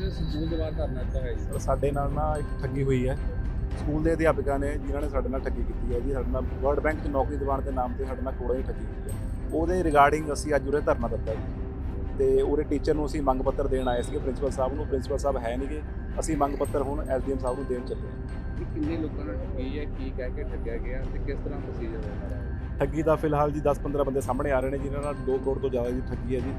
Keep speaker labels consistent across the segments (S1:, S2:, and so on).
S1: ਜਿਹੜੇ ਸਕੂਲ ਦੇ ਬਾਹਰ ਧਰਨਾ ਦਿੱਤਾ ਹੋਇਆ ਜੀ?
S2: ਸਾਡੇ ਨਾਲ ਨਾ ਇੱਕ ਠੱਗੀ ਹੋਈ ਹੈ। ਸਕੂਲ ਦੇ ਅਧਿਆਪਕਾਂ ਨੇ ਜਿਨ੍ਹਾਂ ਨੇ ਸਾਡੇ ਨਾਲ ਠੱਗੀ ਕੀਤੀ ਹੈ ਜੀ, ਸਾਡੇ ਨਾਲ ਵਰਲਡ ਬੈਂਕ 'ਚ ਨੌਕਰੀ ਦਿਵਾਉਣ ਦੇ ਨਾਮ ਤੇ ਸਾਡੇ ਨਾਲ ਕੋੜਾ ਹੀ ਠੱਗੀ ਹੋਈ ਹੈ। ਉਹਦੇ ਰਿਗਾਰਡਿੰਗ ਅਸੀਂ ਅੱਜ ਉਰੇ ਧਰਨਾ ਦਿੱਤਾ ਜੀ, ਤੇ ਉਹਦੇ ਟੀਚਰ ਨੂੰ ਅਸੀਂ ਮੰਗ ਪੱਤਰ ਦੇਣ ਆਏ ਸੀਗੇ ਪ੍ਰਿੰਸੀਪਲ ਸਾਹਿਬ ਨੂੰ। ਪ੍ਰਿੰਸੀਪਲ ਸਾਹਿਬ ਹੈ ਨਹੀਂਗੇ, ਅਸੀਂ ਮੰਗ ਪੱਤਰ ਹੁਣ ਐਸਡੀਐਮ ਸਾਹਿਬ ਨੂੰ ਦੇਣ ਚੱਲੇ ਹਾਂ।
S1: ਕਿ ਕਿੰਨੇ ਲੋਕਾਂ ਨਾਲ ਠੱਗੀ ਹੈ, ਕੀ ਕਹਿ ਕੇ ਠੱਗਿਆ ਗਿਆ ਤੇ ਕਿਸ ਤਰ੍ਹਾਂ ਪ੍ਰੋਸੀਜਰ ਹੈ?
S2: ਠੱਗੀ ਦਾ ਫਿਲਹਾਲ ਜੀ 10-15 ਬੰਦੇ ਸਾਹਮਣੇ ਆ ਰਹੇ ਨੇ ਜਿਨ੍ਹਾਂ ਨਾਲ 2 ਕਰੋੜ ਤੋਂ ਜ਼ਿਆਦਾ ਦੀ ਠੱਗੀ ਹੈ ਜੀ।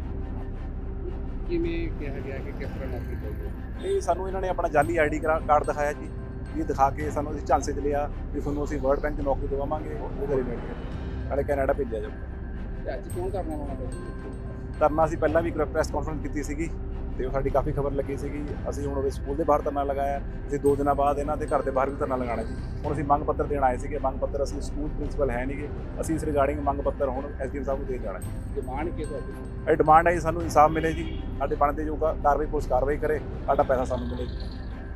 S1: ਕਿਵੇਂ ਕਿਹਾ ਗਿਆ ਕਿ ਕਿਸ ਤਰ੍ਹਾਂ ਨੌਕਰੀ ਚਾਹੀਦੀ?
S2: ਇਹ ਸਾਨੂੰ ਇਹਨਾਂ ਨੇ ਆਪਣਾ ਜਾਲੀ ਆਈਡੀ ਕਾਰਡ ਦਿਖਾਇਆ ਜੀ, ਇਹ ਦਿਖਾ ਕੇ ਸਾਨੂੰ ਅਸੀਂ ਝਾਂਸੇ 'ਚ ਲਿਆ ਵੀ ਤੁਹਾਨੂੰ ਅਸੀਂ ਵਰਲਡ ਬੈਂਕ 'ਚ ਨੌਕਰੀ ਦਿਵਾਵਾਂਗੇ, ਉਹਦੇ ਰਿਲੇਟਡ ਨਾਲੇ ਕੈਨੇਡਾ ਭੇਜਿਆ ਜਾਊਗਾ।
S1: ਤੇ ਅੱਜ ਕਿਉਂ ਕਰਨਾ ਹੋਣਾ ਪਿਆ?
S2: ਧਰਨਾ ਅਸੀਂ ਪਹਿਲਾਂ ਵੀ ਪ੍ਰੈਸ ਕਾਨਫਰੰਸ ਕੀਤੀ ਸੀਗੀ ਤੇ ਉਹ ਸਾਡੀ ਕਾਫੀ ਖਬਰ ਲੱਗੀ ਸੀਗੀ। ਅਸੀਂ ਹੁਣ ਉਹਦੇ ਸਕੂਲ ਦੇ ਬਾਹਰ ਧਰਨਾ ਲਗਾਇਆ, ਅਸੀਂ 2 ਦਿਨਾਂ ਬਾਅਦ ਇਹਨਾਂ ਦੇ ਘਰ ਦੇ ਬਾਹਰ ਵੀ ਧਰਨਾ ਲਗਾਉਣਾ ਜੀ। ਹੁਣ ਅਸੀਂ ਮੰਗ ਪੱਤਰ ਦੇਣ ਆਏ ਸੀਗੇ, ਮੰਗ ਪੱਤਰ ਅਸੀਂ ਸਕੂਲ ਪ੍ਰਿੰਸੀਪਲ ਹੈ ਨਹੀਂਗੇ, ਅਸੀਂ ਇਸ ਰਿਗਾਰਡਿੰਗ ਮੰਗ ਪੱਤਰ ਹੁਣ ਐਸਡੀਐਮ ਸਾਹਿਬ ਨੂੰ ਦੇ ਜਾਣਾ ਜੀ।
S1: ਡਿਮਾਂਡ ਕੀ ਤੁਹਾਡੀ?
S2: ਇਹ ਡਿਮਾਂਡ ਹੈ ਜੀ ਸਾਨੂੰ ਇਨਸਾਫ ਮਿਲੇ ਜੀ, ਸਾਡੇ ਬਣਦੇ ਜੋ ਕਾਰਵਾਈ ਪੁਲਿਸ ਕਾਰਵਾਈ ਕਰੇ, ਸਾਡਾ ਪੈਸਾ ਸਾਨੂੰ ਮਿਲੇ ਜੀ।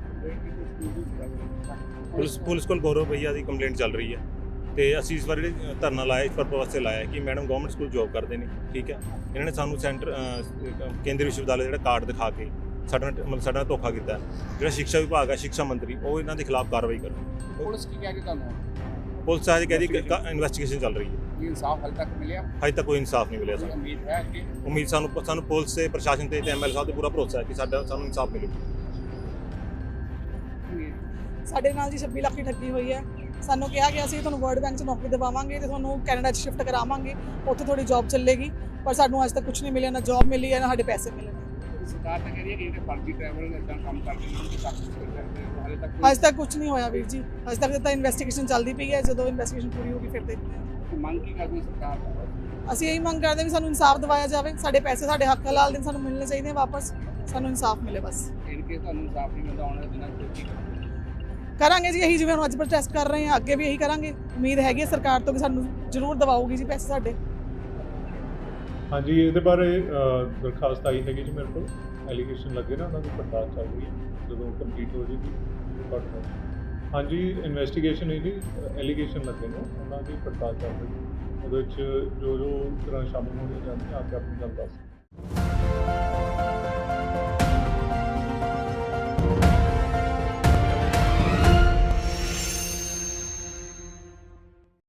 S3: ਪੁਲਿਸ ਕੋਲ ਗੌਰਵ ਭਈਆ ਦੀ ਕੰਪਲੇਂਟ ਚੱਲ ਰਹੀ ਹੈ ਤੇ ਅਸੀਂ ਇਸ ਵਾਰੀ ਧਰਨਾ ਲਾਇਆ ਇਸ ਪਰਪਸ ਵਾਸਤੇ ਲਾਇਆ ਕਿ ਮੈਡਮ ਗਵਰਨਮੈਂਟ ਸਕੂਲ ਜੋਬ ਕਰਦੇ ਨੇ, ਠੀਕ ਹੈ। ਇਹਨਾਂ ਨੇ ਸਾਨੂੰ ਕੇਂਦਰੀ ਵਿਸ਼ਵਵਿਦਿਆਲਾ ਜਿਹੜਾ ਕਾਰਡ ਦਿਖਾ ਕੇ ਸਾਡਾ ਨਾਲ ਧੋਖਾ ਕੀਤਾ। ਜਿਹੜਾ ਸਿੱਖਿਆ ਵਿਭਾਗ ਹੈ, ਸਿੱਖਿਆ ਮੰਤਰੀ, ਉਹ ਇਹਨਾਂ ਦੇ ਖਿਲਾਫ ਕਾਰਵਾਈ ਕਰੇ।
S1: ਪੁਲਿਸ ਕੀ ਕਹਿ ਕੇ ਤੁਹਾਨੂੰ?
S3: ਪੁਲਿਸ ਅੱਜ ਕਹਿੰਦੀ ਇਨਵੈਸਟੀਗੇਸ਼ਨ ਚੱਲ ਰਹੀ ਹੈ।
S1: ਕੀ ਇਨਸਾਫ ਹਾਲੇ ਤੱਕ ਮਿਲਿਆ?
S3: ਹਜੇ ਤੱਕ ਕੋਈ ਇਨਸਾਫ ਨਹੀਂ ਮਿਲਿਆ ਸਾਨੂੰ।
S1: ਉਮੀਦ ਹੈ ਕਿ
S3: ਉਮੀਦ ਸਾਨੂੰ ਪੁਲਿਸ ਤੇ ਪ੍ਰਸ਼ਾਸਨ ਤੇ ਐਮਐਲਏ ਸਾਹਿਬ ਤੇ ਪੂਰਾ ਭਰੋਸਾ ਹੈ ਕਿ ਸਾਨੂੰ ਇਨਸਾਫ ਮਿਲੇਗਾ।
S4: ਸਾਡੇ ਨਾਲ ਜੀ 26 ਲੱਖ ਦੀ ਠੱਗੀ ਹੋਈ ਹੈ। ਸਾਨੂੰ ਕਿਹਾ ਗਿਆ ਸੀ ਤੁਹਾਨੂੰ ਵਰਲਡ ਬੈਂਕ 'ਚ ਨੌਕਰੀ ਦਿਵਾਵਾਂਗੇ ਤੇ ਤੁਹਾਨੂੰ ਕੈਨੇਡਾ 'ਚ ਸ਼ਿਫਟ ਕਰਾਵਾਂਗੇ, ਉੱਥੇ ਤੁਹਾਡੀ ਜੌਬ ਚੱਲੇਗੀ, ਪਰ ਸਾਨੂੰ ਅੱਜ ਤੱਕ ਕੁਝ ਨਹੀਂ ਮਿਲਿਆ, ਨਾ ਜੌਬ ਮਿਲੀ ਹੈ ਨਾ ਸਾਡੇ ਪੈਸੇ ਮਿਲੇ ਨੇ।
S1: ਸਰਕਾਰ ਤਾਂ ਕਹਿ ਰਹੀ ਹੈ ਕਿ ਜਿਹੜੇ ਫਰਜ਼ੀ ਟਰੈਵਲ ਇਦਾਂ ਕੰਮ ਕਰਦੇ ਨੇ ਕਿ ਸਖਤ ਕਰਦੇ ਨੇ, ਹਾਲੇ ਤੱਕ
S4: ਅੱਜ ਤੱਕ ਕੁਝ ਨਹੀਂ ਹੋਇਆ ਵੀਰ ਜੀ, ਅੱਜ ਤੱਕ ਤਾਂ ਇਨਵੈਸਟੀਗੇਸ਼ਨ ਚੱਲਦੀ ਪਈ ਹੈ। ਜਦੋਂ ਇਨਵੈਸਟੀਗੇਸ਼ਨ ਪੂਰੀ ਹੋਗੀ ਫਿਰ ਦੇਖਦੇ ਹਾਂ।
S1: ਮੰਗ ਕੀ ਕਰਦੀ ਸਰਕਾਰ ਤੋਂ?
S4: ਅਸੀਂ ਇਹੀ ਮੰਗ ਕਰਦੇ ਹਾਂ ਵੀ ਸਾਨੂੰ ਇਨਸਾਫ ਦਿਵਾਇਆ ਜਾਵੇ, ਸਾਡੇ ਪੈਸੇ ਸਾਡੇ ਹੱਕ ਹਲਾਲ ਦੇ ਸਾਨੂੰ ਮਿਲਣੇ ਚਾਹੀਦੇ ਵਾਪਸ, ਸਾਨੂੰ ਇਨਸਾਫ ਮਿਲੇ ਬਸ।
S1: ਇਨ ਕੇ ਤੁਹਾਨੂੰ ਇਨਸਾਫ ਨਹੀਂ ਮਿਲਦਾ ਆਉਣ ਵਾਲੇ ਦਿਨਾਂ 'ਚ ਕੀ ਕਰੋਗੇ?
S4: ਕਰਾਂਗੇ ਜੀ ਇਹੀ, ਜਿਵੇਂ ਹੁਣ ਅੱਜ ਪ੍ਰੋਟੈਸਟ ਕਰ ਰਹੇ ਹਾਂ, ਅੱਗੇ ਵੀ ਇਹੀ ਕਰਾਂਗੇ। ਉਮੀਦ ਹੈਗੀ ਹੈ ਸਰਕਾਰ ਤੋਂ ਕਿ ਸਾਨੂੰ ਜ਼ਰੂਰ ਦਿਵਾਊਗੀ ਜੀ ਪੈਸੇ ਸਾਡੇ।
S5: ਹਾਂਜੀ, ਇਹਦੇ ਬਾਰੇ ਦਰਖਾਸਤ ਆਈ ਹੈਗੀ ਜੀ ਮੇਰੇ ਕੋਲ, ਐਲੀਗੇਸ਼ਨ ਲੱਗੇ ਨਾ, ਉਹਨਾਂ ਦੀ ਪੜਤਾਲ ਚੱਲ ਰਹੀ ਹੈ, ਜਦੋਂ ਕੰਪਲੀਟ ਹੋ ਜਾਏਗੀ ਰਿਪੋਰਟ। ਹਾਂਜੀ, ਇਨਵੈਸਟੀਗੇਸ਼ਨ ਹੈ ਜੀ, ਐਲੀਗੇਸ਼ਨ ਲੱਗੇ ਨੇ, ਉਹਨਾਂ ਦੀ ਪੜਤਾਲ ਚੱਲ ਰਹੀ ਹੈ। ਉਹਦੇ ਵਿੱਚ ਜੋ ਤਰ੍ਹਾਂ ਸ਼ਾਮਲ ਹੋਣੀਆਂ ਜਾਂਦੀਆਂ ਆ ਕੇ ਆਪਣੀ ਗੱਲ ਦੱਸ।